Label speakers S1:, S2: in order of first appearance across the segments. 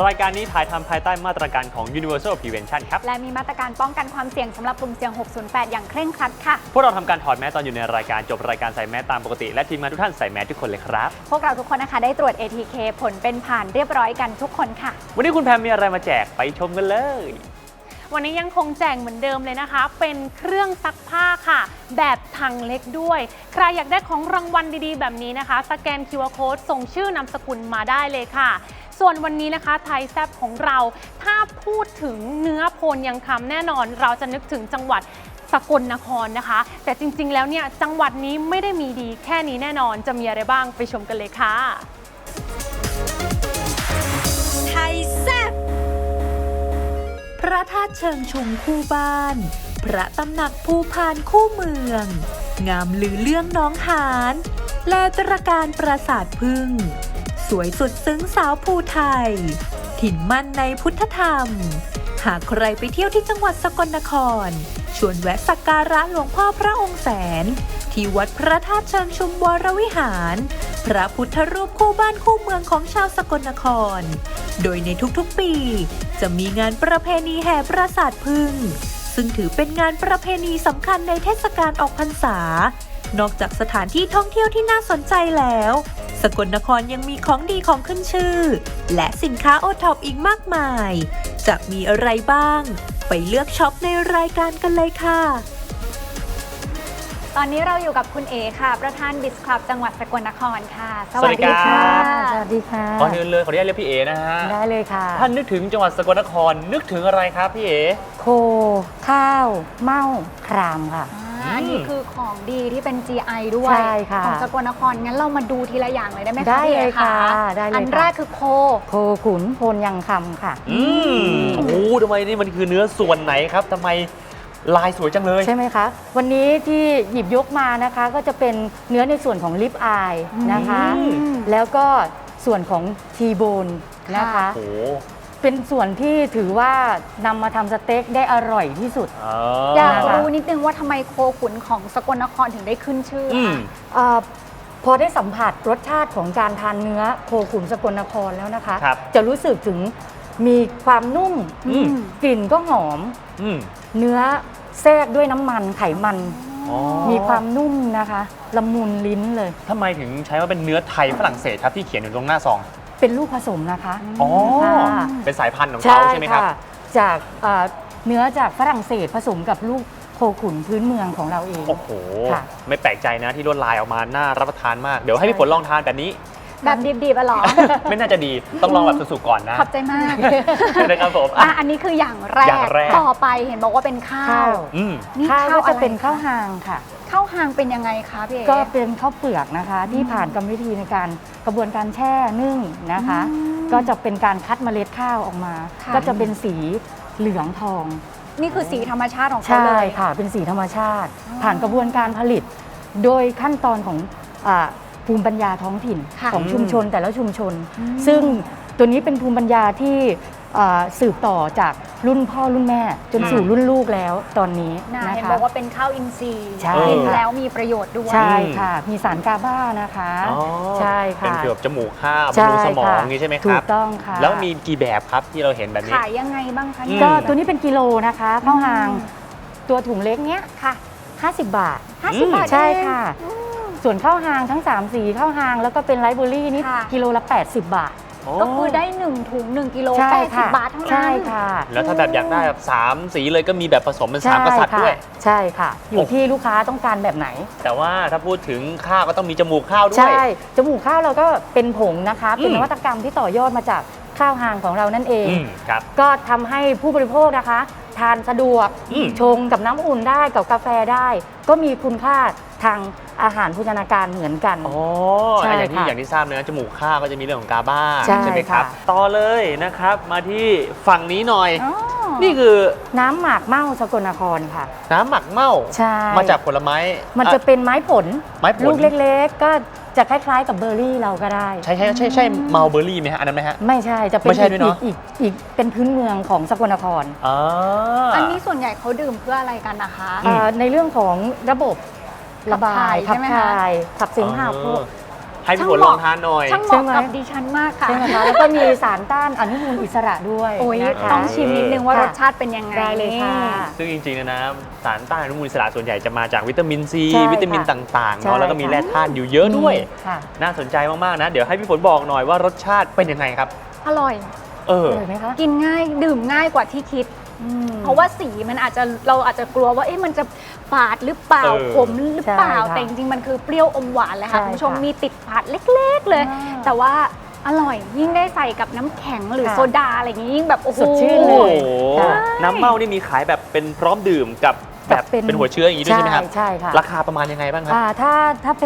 S1: รายการนี้ถ่ายทำภายใต้มาตรการของ Universal Prevention ครับ
S2: และมีมาตรการป้องกันความเสี่ยงสำหรับกลุ่มเสี่ยง 608 อย่างเคร่งครัดค่ะ
S1: พวกเราทำการถอดแมสตอนอยู่ในรายการจบรายการใส่แมสตามปกติและทีมงานทุกท่านใส่แมสทุกคนเลยครับ
S2: พวกเราทุกคนนะคะได้ตรวจ ATK ผลเป็นผ่านเรียบร้อยกันทุกคนค่ะ
S1: วันนี้คุณแพมมีอะไรมาแจกไปชมกันเลย
S3: วันนี้ยังคงแจกเหมือนเดิมเลยนะคะเป็นเครื่องซักผ้าค่ะแบบถังเล็กด้วยใครอยากได้ของรางวัลดีๆแบบนี้นะคะสแกน QR Code ส่งชื่อนามสกุลมาได้เลยค่ะส่วนวันนี้นะคะไทยแซ่บของเราถ้าพูดถึงเนื้อโพนยังคำแน่นอนเราจะนึกถึงจังหวัดสกลนครนะคะแต่จริงๆแล้วเนี่ยจังหวัดนี้ไม่ได้มีดีแค่นี้แน่นอนจะมีอะไรบ้างไปชมกันเลยค่ะ
S4: ไทยแซ่บพระธาตุเชิงชุมคู่บ้านพระตำหนักภูพานคู่เมืองงามลือเรื่องน้องหานและตระการปราสาทพึ่งสวยสุดซึ้งสาวภูไทยถิ่นมั่นในพุทธธรรมหากใครไปเที่ยวที่จังหวัดสกลนครชวนแวะสักการะหลวงพ่อพระองค์แสนที่วัดพระธาตุเชิงชุมวรวิหารพระพุทธรูปคู่บ้านคู่เมืองของชาวสกลนครโดยในทุกๆปีจะมีงานประเพณีแห่ปราสาทพึ่งซึ่งถือเป็นงานประเพณีสำคัญในเทศกาลออกพรรษานอกจากสถานที่ท่องเที่ยวที่น่าสนใจแล้วสกลนครยังมีของดีของขึ้นชื่อและสินค้าโอท็อปอีกมากมายจะมีอะไรบ้างไปเลือกช็อปในรายการกันเลยค่ะ
S2: ตอนนี้เราอยู่กับคุณเอค่ะประธานบิสคลับจังหวัดสกลนครค่ะ
S1: สวัสดีค่ะ
S5: สวัสดีค่ะ
S1: ก่อนอื่นเลยขออนุญาตเรียกพี่เอนะฮะ
S5: ได้เลยค่ะ
S1: ท่านนึกถึงจังหวัดสกลนครนึกถึงอะไรครับพี่เอ
S5: โคข้าวเม่าครามค่ะ
S2: อันนี้คือของดีที่เป็น GI ด้วย
S5: ใช่ค่ะ
S2: ของสกลนครงั้นเรามาดูทีละอย่างเลยได้ไหมคะ
S5: ได้เลยค่ะได้เลย
S2: อันแรกคือโค
S5: ขุนโพนยังคำค่ะ
S1: โอ้โหทำไมนี่มันคือเนื้อส่วนไหนครับทำไมลายสวยจังเลย
S5: ใช่ไหมคะวันนี้ที่หยิบยกมานะคะก็จะเป็นเนื้อในส่วนของลิปอายนะคะแล้วก็ส่วนของทีโบนนะคะเป็นส่วนที่ถือว่านำมาทำสเต็กได้อร่อยที่สุด
S2: อยากรู้นิดนึงว่าทำไมโคขุนของสกลนครถึงได้ขึ้นชื่อ
S5: พอได้สัมผัสรสชาติของการทานเนื้อโคขุนสกลนครแล้วนะคะจะรู้สึกถึงมีความนุ่มกลิ่นก็หอมเนื้อแทรกด้วยน้ำมันไขมันมีความนุ่มนะคะละมุนลิ้นเลย
S1: ทำไมถึงใช้ว่าเป็นเนื้อไทยฝรั่งเศสครับที่เขียนอยู่ตรงหน้าซอง
S5: เป็นลูกผสมนะคะ
S1: เป็นสายพันธุ์ของเขาใช่ไหมครับ
S5: จากเนื้อจากฝรั่งเศสผสมกับลูกโคขุนพื้นเมืองของเราเอง
S1: โอ้โหไม่แปลกใจนะที่ลวดลายออกมาน่ารับประทานมากเดี๋ยวให้พี่ฝนลองทานแบบนี้
S2: แบบดิบๆหรอ
S1: ไม่น่าจะดีต้องลองแบบสุกๆก่อนนะ
S2: ขอบใจมาก
S1: นะครับผม
S2: อันนี้คืออย่างแรกต่อไปเห็นบอกว่าเป็นข้าว
S5: นี่ข้าวจะเป็นข้าวหางค่ะ
S2: ข้าวหางเป็นยังไงคะพี่เอ๋
S5: ก็เป็นข้าวเปลือกนะคะที่ผ่านกรรมวิธีในการกระบวนการแช่นึ่งนะคะก็จะเป็นการคัดเมล็ดข้าวออกมาก็จะเป็นสีเหลืองทอง
S2: นี่คือสีธรรมชาติของเขาเลย
S5: ใช่ค่ะเป็นสีธรรมชาติผ่านกระบวนการผลิตโดยขั้นตอนของภูมิปัญญาท้องถิ่นของชุมชนแต่ละชุมชนซึ่งตัวนี้เป็นภูมิปัญญาที่สืบต่อจากรุ่นพ่อรุ่นแม่จนสู่รุ่นลูกแล้วตอนนี้
S2: นะคะเห็นบอกว่าเป็นข้าวอินทรีย์
S5: กิ
S2: นแล้วมีประโยชน์ด้วย
S5: ใช่ค่ะมีสารกาบานะคะใช่ค่ะ
S1: เป็นเกี่ยวกับจมูกข้าวบำรุงสมองนี่ใช่ไหมครับ
S5: ถูกต้องค่ะ
S1: แล้วมีกี่แบบครับที่เราเห็นแบบนี้
S2: ขายยังไงบ้างคะ
S5: ก็ตัวนี้เป็นกิโลนะคะข้าวหางตัวถุงเล็กเนี้ยค่ะ50 บาท
S2: 50 บาท
S5: ใช่ค่ะส่วนข้าวหางทั้ง3สีข้าวหางแล้วก็เป็นไรซ์เบอร์รี่นี่กิโลละ80 บาท
S2: ก็คือได้1ถุง1กิโล80 บาทเท่านั้น
S5: ใช่ค่ะ
S1: แล้วถ้าแบบอยากได้แบบ3สีเลยก็มีแบบผสมเป็น3กษัตริย์ด้วย
S5: ใช่ค่ะอยู่ที่ลูกค้าต้องการแบบไหน
S1: แต่ว่าถ้าพูดถึงข้าวก็ต้องมีจมูกข้าวด้วย
S5: ใช่จมูกข้าวเราก็เป็นผงนะคะเป็นนวัตกรรมที่ต่อยอดมาจากข้าวหางของเรานั่นเองก็ทำให้ผู้บริโภคนะคะทานสะดวกชงกับน้ำอุ่นได้กับกาแฟได้ก็มีคุณค่าทางอาหารโภชนาการเหมือนกัน
S1: อย่างที่ทราบนะจมูกข้าวก็จะมีเรื่องของกาบาใช่ไหมครับต่อเลยนะครับมาที่ฝั่งนี้หน่อยนี่คือ
S5: น้ำหมากเม่าสกลนครค่ะ
S1: น้ำหมากเม่ามาจากผลไม้
S5: มันจะเป็นไม้ผลลูกเล็กๆก็จะคล้ายๆกับเบอร์รี่เราก็ได้
S1: ใช่เมาเบอร์รี่ไหมฮะอันนั้นไหมฮะ
S5: ไม่ใช่จะเป็นอีกเป็นพื้นเมืองของสกลนคร
S2: อันนี้ส่วนใหญ่เขาดื่มเพื่ออะไรกันนะคะ
S5: ในเรื่องของระบบระบายขับถ่ายขับเสมหะ
S1: ให้พี่ฝนลองทานหน่อย
S2: ช่างเหมาะกับดิฉันมากค่ะ
S5: ใช่ไหมคะแล้วก็มีสารต้านอนุมูลอิสระด้วย
S2: โอ้ย
S5: นะคะ
S2: ต้องชิมนิดนึงว่ารสชาติเป็นยังไง
S5: ได้เลยค่ะ
S1: ซึ่งจริงๆนะสารต้านอนุมูลอิสระส่วนใหญ่จะมาจากวิตามินซี
S5: ใช่ค่ะ
S1: วิตามินต่างๆ
S5: ใช่
S1: เนาะแล้วก็มีแร่ธาตุอยู่เยอะด้วย
S5: ค่ะ
S1: น่าสนใจมากๆนะ เดี๋ยวให้พี่ฝนบอกหน่อยว่ารสชาติเป็นยังไงครับ
S2: อร่อย
S1: เออ
S5: อร่อยไหมคะ
S2: กินง่ายดื่มง่ายกว่าที่คิด
S5: ม
S2: เพราะว่าสีมันเราอาจจะกลัวว่ามันจะฝาดหรือเปล่า
S1: เออ
S2: ขมหรือเปล่า
S5: ใช่ค่ะ
S2: แต่จริงๆมันคือเปรี้ยวอมหวานเลยค่ะ
S5: ใช่
S2: คุณผู้ชม
S5: ค่ะ
S2: มีติดฝาดเล็กๆเลย
S5: อ่า
S2: แต่ว่าอร่อยยิ่งได้ใส่กับน้ำแข็งหรือ
S5: ค่ะ
S2: โซดาอะไรอย่างนี้ยิ่งแบบโอ้โห
S5: สดชื่น
S1: โอ้
S5: เล
S1: โห
S5: ย ค่ะ
S1: น้ำเมานี่มีขายแบบเป็นพร้อมดื่มกับแบบเป็นหัวเชื้ออย่างนี้ด้วยใช่ไหมครับ
S5: ใช่ค่ะ
S1: ราคาประมาณยังไงบ้างครับ
S5: ถ้าเป็น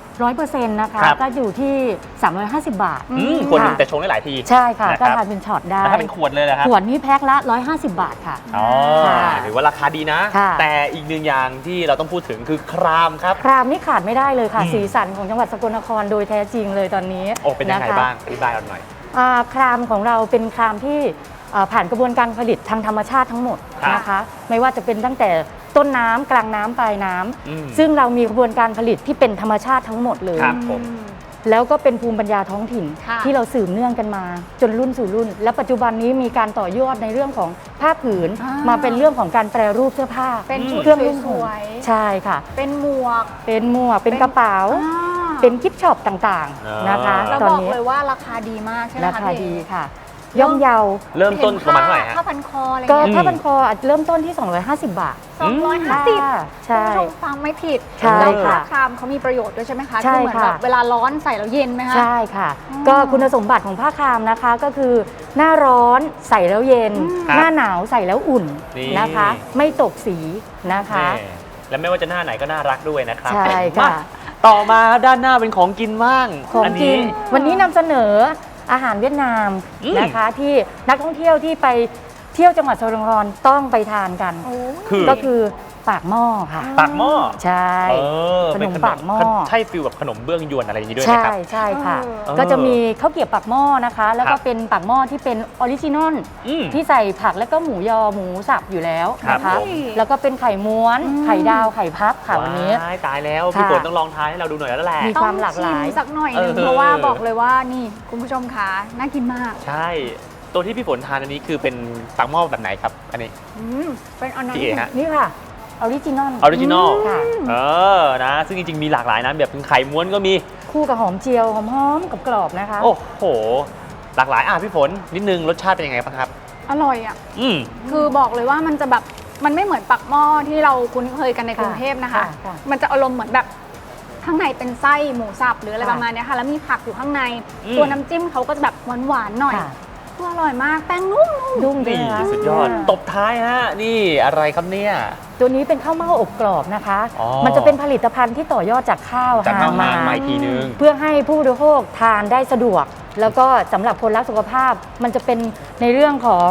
S5: 100% นะคะ
S1: ครับ
S5: ก็อยู่ที่ 350 บาท
S1: ขวดหนึ่ง
S5: ค่ะ
S1: แต่ชงได้หลายที
S5: ใช่ค่ะ
S1: นะครับ
S5: ก็ทานเป็นช็อตได้
S1: แล้วถ้าเป็นขวดเลยนะครับ
S5: ขวดนี้แพ็คละ 150 บาทค่ะ
S1: อ๋อ
S5: ค่ะ
S1: ถือว่าราคาดีนะ
S5: ค่ะ
S1: แต่อีกหนึ่งอย่างที่เราต้องพูดถึงคือครามครับ
S5: ครามนี่ขาดไม่ได้เลยค่ะ
S1: อืม
S5: สีสันของจังหวัดสกลนครโดยแท้จริงเลยตอนนี้
S1: โอ้เป็นยังไง
S5: ะคะ
S1: บ้างอธิบายเราหน่อย
S5: ครามของเราเป็นครามที่ผ่านกระบวนการผลิตทางธรรมชาติทั้งหมด
S1: ครับ
S5: นะคะ ไม่ว่าจะเป็นตั้งแต่ต้นน้ำกลางน้ำปลายน้ำ
S1: อืม
S5: ซึ่งเรามีกระบวนการผลิตที่เป็นธรรมชาติทั้งหมดเลย
S1: ครับผม
S5: แล้วก็เป็นภูมิปัญญาท้องถิ่น
S2: ค่ะ
S5: ที่เราสืบเนื่องกันมา จนรุ่นสู่รุ่น และปัจจุบันนี้มีการต่อยอดในเรื่องของผ้าผืน มาเป็นเรื่องของการแปรรูปเสื้อผ้า
S2: เป็นชุด
S5: เครื่องนุ่ง
S2: ส
S5: ห่ม
S2: วยๆ
S5: ใช่ค่ะ
S2: เป็นหมวก
S5: เป็นหมวกเป็นกระเป๋า
S2: อ่า
S5: เป็นกิฟต์ช็อปต่างๆนะคะ
S2: แล้ว
S5: ตอน
S2: บอก
S5: นี้
S2: เลยว่าราคาดีมากใช่ไหม
S5: รา
S2: คะ
S5: คา
S2: พี่
S5: ดีค่ะ ย่อมเยา
S1: เริ่มต้นประมาณเท่าไหร่ฮะ
S2: ผ้าพันคออะไร
S5: ก็
S2: เงี้ย
S5: ถ้าบันคออาจเริ่มต้นที่ 250 บาท
S2: 250
S5: ค่ะใช่
S2: คุณผู้ชมฟังไม่ผิด
S5: ใช่
S2: แล้ว
S5: ค่ะ
S2: ครามเขามีประโยชน์ด้วยใช่ไหมคะ
S5: ใช่
S2: คือเหมือน
S5: ค่ะ
S2: แบบเวลาร้อนใส่แล้วเย็นไหมคะ
S5: ใช่ค่ะ
S2: อ๋อ
S5: ก็คุณสมบัติของผ้าครามนะคะก็คือ หน้าร้อนใส่แล้วเย็น
S1: ครับ
S5: หน้าหนาวใส่แล้วอุ่น
S1: นี่
S5: นะคะ ไม่ตกสีนะคะ
S1: แม่และไม่ว่าจะหน้าไหนก็น่ารักด้วยนะครับ
S5: ใช่ค่ะ
S1: มาต่อมาด้านหน้าเป็นของกินบ้าง
S5: ของ
S1: อั
S5: กินวันนี้นำเสนออาหารเวียดนาม
S1: อืม
S5: นะคะที่นักท่องเที่ยวที่ไปเที่ยวจังหวัดสกลนครต้องไปทานกัน
S1: คือ
S5: ก็คือปากหม้อค่ะ
S1: ปากหม้อ
S5: ใช่
S1: เออ
S5: ขนม
S1: เป็
S5: ปากหม้อ
S1: ใช่ฟิลแบบขนมเบื้องยวนอะไรอย่างนี้ด้วย
S5: ใช่
S1: นะครับ
S5: ใช่ค่ะ
S2: เออ
S5: ก็จะมีข้าวเกรี๊ยวปากหม้อนะคะ แล้ว
S1: ครั
S5: ก็
S1: บ
S5: เป็นปากหม้อที่เป็นออริจินอล
S1: อืม
S5: ที่ใส่ผักแล้วก็หมูยอหมูสับอยู่แล้วนะ
S1: ครั
S5: คะ
S1: บผม
S5: แล้วก็เป็นไข่ม้วน ไข่ดาวไข่พับค่ะวันนี้
S1: ว้ายตายแล้ว
S5: ค่ะ
S1: พี่ฝนต้องลองทานให้เราดูหน่อยแล้วแหละ
S5: มี ความหลากหลาย
S2: ต้องชิมสักหน่อยหนึง
S1: เออ
S2: เพราะว่าบอกเลยว่านี่คุณผู้ชมคะน่ากินมาก
S1: ใช่ ตัวที่พี่ฝนทานอันนี้คือเป็นปากหม้อแบบไหนครับ อันนี้
S2: เป็นอันนั้น
S1: พี่เอฮะ
S5: นี่ค่ะออริจินอล
S1: ออริจินอล
S5: ค่ะ
S1: เออ นะ ซึ่งจริงๆ มีหลากหลายนะ แบบเป็นไข่ม้วนก็มี
S5: คู่กับหอมเจียวหอมๆกับกรอบๆนะคะ
S1: โอ้โห หลากหลายพี่ฝน นิดนึง รสชาติเป็นยังไงบ้างครับ
S2: อร่อยอ่ะ
S1: อืม
S2: คือบอกเลยว่ามันจะแบบมันไม่เหมือนปักหม้อที่เราคุ้นเคยกันในกรุงเทพนะคะ
S5: ค่ะ
S2: มันจะอารมณ์เหมือนแบบข้างในเป็นไส้หมูสับหรืออะไร
S5: ค่ะ
S2: ประมาณเนี้ยค่ะ แล้วมีผักอยู่ข้างใน
S1: อืม
S2: ตัวน้ำจิ้มเขาก็จะแบบหวานๆหน่อย
S5: ค่ะ
S2: อร่อยมากแป้งนุ่ม
S5: นุ่ม
S1: นี่
S5: ด้วยนะ
S1: สุดยอด ตบท้ายฮะ นี่อะไรครับเนี่ย
S5: ตัวนี้เป็นข้าวเม่าอบกรอบนะคะ
S1: อ๋อ
S5: มันจะเป็นผลิตภัณฑ์ที่ต่อยอดจากข้าว
S1: จากข้าว
S5: ห
S1: หางมาอีกทีนึง
S5: เพื่อให้ผู้บริโภคทานได้สะดวก แล้วก็สำหรับคนรักสุขภาพ มันจะเป็นในเรื่องของ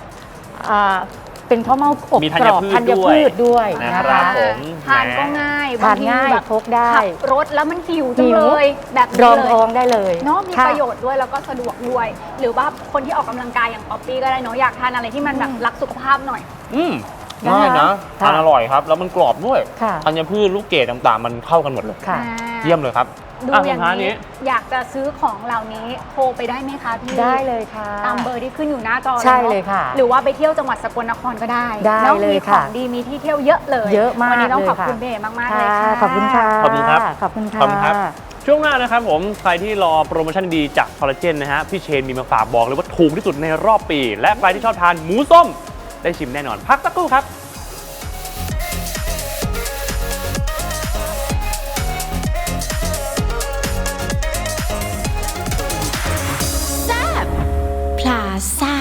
S5: เป็นข้าวเม่าอบ
S1: มีธั
S5: ก
S1: ญ
S5: รอบ
S1: พืช
S5: ธัญพืชด้วย
S1: นะ
S5: นะ
S1: ครั
S5: คะ
S1: บผม
S2: ทานก็ง่าย
S5: ทานง่าย
S2: บทีแบบ
S5: พกได้
S2: ขับรถแล้วมันหิวจัง
S5: หิว
S2: เลยแบบนี้
S5: รอง
S2: เลย
S5: ท้องได้เลย
S2: เนาะมี
S5: ค่
S2: ประโยชน์ด้วยแล้วก็สะดวกด้วย หรือว่าคนที่ออกกำลังกายอย่างป๊อปปี้ก็ได้เนาะอยากทานอะไรที่มันแบบรักสุขภาพหน่อย
S1: อืม
S5: นะคะ
S1: ง่ายนะ
S5: ค่ะ
S1: ทานอร่อยครับ แล้วมันกรอบด้วย
S5: ค่ะ
S1: ธัญพืชลูกเกดต่างๆ มันเข้ากันหมดเลย
S5: ค่ะ
S1: เยี่ยมเลยครับ
S2: ดูอย่าง
S1: สุดท้
S2: นี้อยากจะซื้อของเหล่านี้โทรไปได้ไหมคะพี่
S5: ได้เลยค่ะ
S2: ตามเบอร์ที่ขึ้นอยู่หน้าจอ
S5: ใช่
S2: นอะ
S5: เลยค่ะ
S2: หรือว่าไปเที่ยวจังหวัดสกลนครก็ได้
S5: ได้
S2: แล้ว
S5: เลย
S2: มีข
S5: ค่ะ
S2: องดีมีที่เที่ยวเยอะเลย
S5: เยอะมาก
S2: วันนี้ต้อง
S5: เลย
S2: ขอบคุณ
S5: ค่ะ
S2: เบย์มากๆเลยค่ะ
S5: ขอบคุณค่ะ
S1: ขอบคุณครับ
S5: ขอบคุณค่ะ
S1: ขอบคุณครับ ช่วงหน้านะครับผม ใครที่รอโปรโมชั่นดีจากคอลลาเจนนะฮะ พี่เชนมีมาฝากบอกเลยว่าถูกที่สุดในรอบปี และใครที่ชอบทานหมูส้ม ได้ชิมแน่นอน พักสักครู่ครับ
S4: พลาซ่า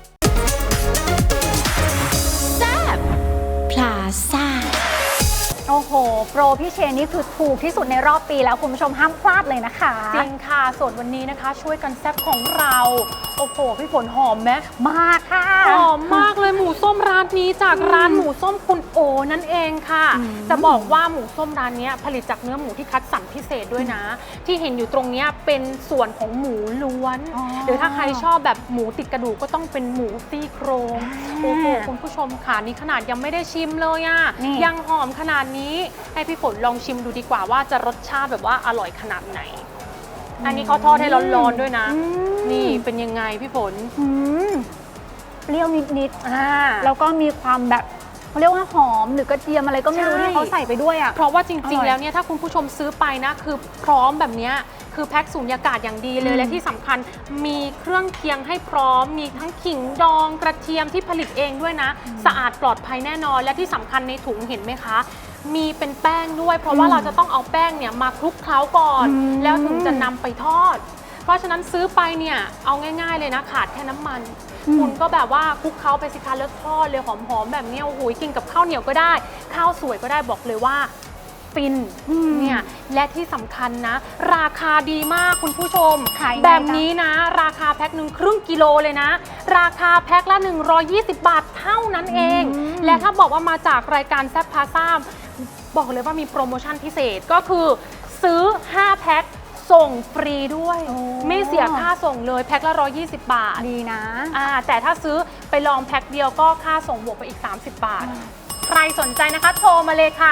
S4: แซบพลาซ่า
S2: โอ้โอ้โห โปรพี่เชนนี่คือถูกที่สุดในรอบปีแล้วคุณผู้ชมห้ามพลาดเลยนะคะ
S3: จริงค่ะส่วนวันนี้นะคะ ช่วยกันแซ่บของเราโอ้โหพี่ฝนหอมไหม
S2: มากค่ะ
S3: หอมมากเลยหมูส้มร้านนี้จากร้านหมูส้มคุณโอนั่นเองค่ะ จะบอกว่าหมูส้มร้านนี้ผลิตจากเนื้อหมูที่คัดสรรพิเศษด้วยนะ ที่เห็นอยู่ตรงนี้เป็นส่วนของหมูล้วน
S2: อ๋อ
S3: หรือถ้าใครชอบแบบหมูติดกระดูกก็ต้องเป็นหมูซี่โครงโอ้โหคุณผู้ชมค่ะนี่ขนาดยังไม่ได้ชิมเลยอ่ะ
S2: นี่
S3: ยังหอมขนาดนี้ให้พี่ฝนลองชิมดูดีกว่าว่าจะรสชาติแบบว่าอร่อยขนาดไหน อันนี้เขาทอดให้ร้อนๆด้วยนะ นี่เป็นยังไงพี่ฝน
S2: อืมเปรี้ยวนิด
S3: อ่า
S2: ๆแล้วก็มีความแบบเขาเรียกว่าหอมหรือกระเทียมอะไรก็ไม่รู้
S3: ใช่
S2: ที่เขาใส่ไปด้วยอ่ะ
S3: เพราะว่าจ
S2: อ
S3: ริ
S2: ร่
S3: ง
S2: อย
S3: ๆ แล้วเนี่ยถ้าคุณผู้ชมซื้อไปนะคือพร้อมแบบเนี้ยคือแพ็คสูญญากาศอย่างดีเลย และที่สำคัญมีเครื่องเคียงให้พร้อม มีทั้งขิงดองกระเทียมที่ผลิตเองด้วยนะ สะอาดปลอดภัยแน่นอน และที่สำคัญในถุงเห็นไหมคะ มีเป็นแป้งด้วย เพราะว่าเราจะต้องเอาแป้งเนี่ยมาคลุกเคล้าก่อน แล้วถึงจะนำไปทอด เพราะฉะนั้นซื้อไปเนี่ยเอาง่ายๆเลยนะขาดแค่น้ำมัน คุณก็แบบว่าคลุกเคล้าไปสิคะแล้วทอดเลยหอมๆแบบเนี้ยโอ้โหกินกับข้าวเหนียวก็ได้ ข้าวสวยก็ได้บอกเลยว่าฟินเนี่ยและที่สำคัญนะ ราคาดีมากคุณผู้ชม
S2: ขายไง
S3: แบบ
S2: จ๊ะ
S3: นี้นะ ราคาแพ็คหนึ่งครึ่งกิโลเลยนะ ราคาแพ็คละ 120 บาทเท่านั้นเอง และถ้าบอกว่ามาจากรายการแซ่บพาซ่าบอกเลยว่ามีโปรโมชั่นพิเศษก็คือซื้อ 5 แพ็คส่งฟรีด้วย ไม่เสียค่าส่งเลยแพ็คละ 120 บาท
S2: ดีนะ
S3: แต่ถ้าซื้อไปลองแพ็คเดียวก็ค่าส่งบวกไปอีก 30 บาท ใครสนใจนะคะโทรมาเลยค่ะ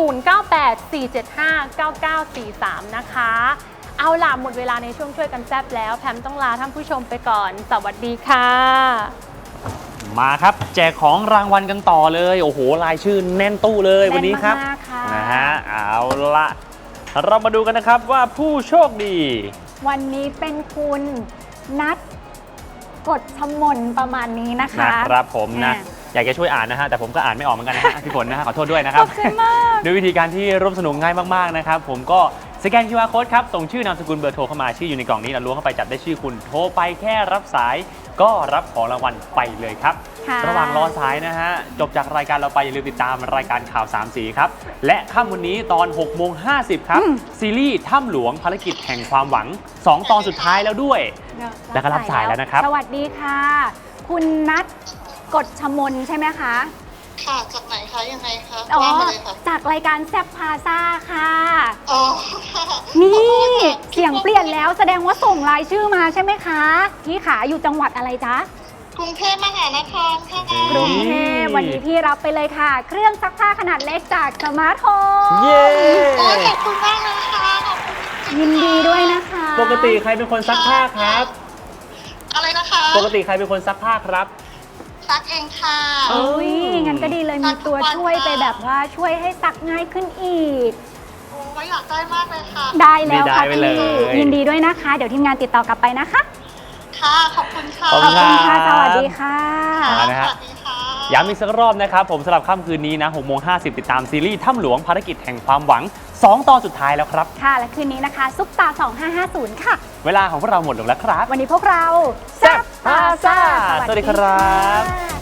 S3: 0984759943 นะคะ เอาล่ะหมดเวลาในช่วงช่วยกันแซบแล้วแพมต้องลาท่านผู้ชมไปก่อน สวัสดีค่ะ
S1: มาครับแจกของรางวัลกันต่อเลยโอ้โหรายชื่อแน่นตู้เลยวันนี้ครับ
S2: แน่นมากๆค่ะ
S1: นะฮะเอาละเรามาดูกันนะครับว่าผู้โชคดี
S2: วันนี้เป็นคุณนัทกฎชมนประมาณนี้นะคะ
S1: นะครับผมนะ
S2: อ่า
S1: อยากจะช่วยอ่านนะฮะแต่ผมก็อ่านไม่ออกเหมือนกันนะฮะ พี่ฝนนะฮะขอโทษด้วยนะครับ
S2: ขอบคุณมาก
S1: ด้วยวิธีการที่ร่วมสนุกง่ายมากๆนะครับผมก็สแกน QR Code ครับส่งชื่อนามสกุลเบอร์โทรเข้ามาชื่ออยู่ในกล่องนี้แล้วล้วงเข้าไปจับได้ชื่อคุณโทรไปแค่รับสายก็รับของรางวัลไปเลยครับ
S2: ค่ะ
S1: ระหว่างรอสายนะฮะจบจากรายการเราไปอย่าลืมติดตามรายการข่าว3สีครับและค่ำวันนี้ตอน6:50ครับซีรีส์ถ้ำหลวงภารกิจแห่งความหวัง2 ตอนสุดท้ายแล้วด้วย แล้วก็รับสายแล้วนะครับ
S2: สวัสดีค่ะ คุณนัทกฎชมนใช่ไหมคะ
S6: ค่ะ จากไหนคะ ยังไงคะ
S2: อ๋อ
S6: ว่ามาเลยค่ะ
S2: จากรายการแซบพาซ่าค่ะ
S6: อ๋อค่ะ
S2: นี่
S6: ขอโทษค่ะ
S2: เสียงเปลี่ยนแล้วแสดงว่าส่งรายชื่อมาใช่ไหมคะพี่ขาอยู่จังหวัดอะไรจ๊ะ
S6: กรุงเทพมหานครค่ะ
S2: กรุงเทพวันนี้พี่รับไปเลยค่ะ เครื่องซักผ้าขนาดเล็กจากสมาร์ทโฮม
S1: เย้
S6: โอ้ยขอบคุณมากเลยค่ะขอบคุณจริงๆ
S2: ยินดีด้วยนะคะ
S1: ปกติใครเป็นคนซักผ้าครับ
S6: อะไรนะคะ
S1: ปกติใครเป็นคนซักผ้าครับ
S6: ซักเองค่ะ
S2: โอ้ยงั้นก็ดีเลยมีตัวช่วยไปแบบว่าช่วยให้ซักง่ายขึ้นอีก
S6: โอ้ยอยากได้มากเลยค่ะ
S2: ได้แล้วค่ะ
S1: ได้ไปเลย
S2: พี่ยินดีด้วยนะคะ เดี๋ยวทีมงานติดต่อกลับไปนะคะ
S6: ค่ะ ขอบคุณค่ะ
S1: ขอบ
S2: ขอบคุณค่ะ
S1: ครับ
S2: สวัสดีค่ะ
S1: มานะฮะ
S6: สวัสดีค่ะ
S1: ย้ำอีกสักรอบนะครับผมสำหรับค่ำคืนนี้นะ6:50ติดตามซีรีส์ถ้ำหลวงภารกิจแห่งความหวัง2 ตอนสุดท้ายแล้วครับ
S2: ค่ะ และคืนนี้นะคะ ซุปตา 2550 ค่ะ
S1: เวลาของพวกเราหมดลงแล้วครับ
S2: วันนี้พวกเรา
S1: แซ่บพาซ่า
S2: ส
S1: สวัสดีครับ
S2: ค่ะ